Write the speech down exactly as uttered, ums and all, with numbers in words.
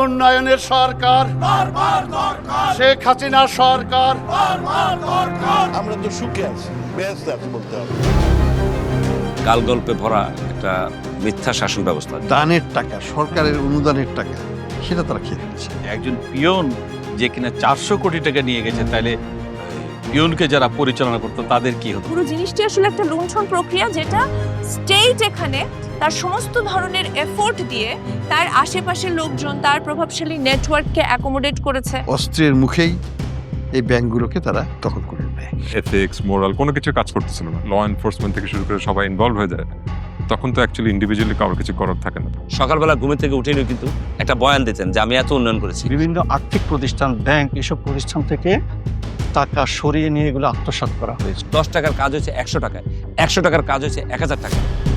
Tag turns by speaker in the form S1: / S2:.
S1: উন্নয়নের সরকার, শেখ হাসিনার সরকার।
S2: আমরা তো সুখে আছি, ব্যস্ত আছি বলতে হবে।
S3: কাল গল্পে ভরা একটা মিথ্যা শাসন ব্যবস্থা।
S4: দানের টাকা, সরকারের অনুদানের টাকা, সেটা তারা খেয়ে ফেলছে।
S5: একজন পিয়ন যে কিনা চারশো কোটি টাকা নিয়ে গেছে, তাহলে পিয়নকে যারা পরিচালনা করতো তাদের কি হতো?
S6: পুরো জিনিসটি আসলে একটা লুণ্ঠন প্রক্রিয়া, যেটা স্টেট এখানে তার সমস্ত ধরনের এফোর্ট দিয়ে তার আশেপাশের লোকজন, তার প্রভাবশালী নেটওয়ার্ককে অ্যাকোমোডেট করেছে।
S4: অস্ত্রের মুখেই এই ব্যাংকগুলোকে তারা দখল করে নেয়।
S7: এথিক্স, মোরাল কোনো কিছু কাজ করতেছিল না। ল এনফোর্সমেন্ট থেকে শুরু করে সবাই ইনভলভ হয়ে যায়। তখন তো অ্যাকচুয়ালি ইন্ডিভিজুয়ালি কারোর কিছু করার থাকে না।
S3: সকালবেলা ঘুমে থেকে উঠেই কিন্তু একটা বয়ান দিতেন যে আমি এত উন্নয়ন করেছি।
S8: বিভিন্ন আর্থিক প্রতিষ্ঠান, ব্যাংক, এসব প্রতিষ্ঠান থেকে টাকা সরিয়ে নিয়ে এগুলো আত্মসাৎ করা হয়েছে।
S3: দশ টাকার কাজ হয়েছে একশো টাকায়, একশো টাকার কাজ হয়েছে এক হাজার টাকা।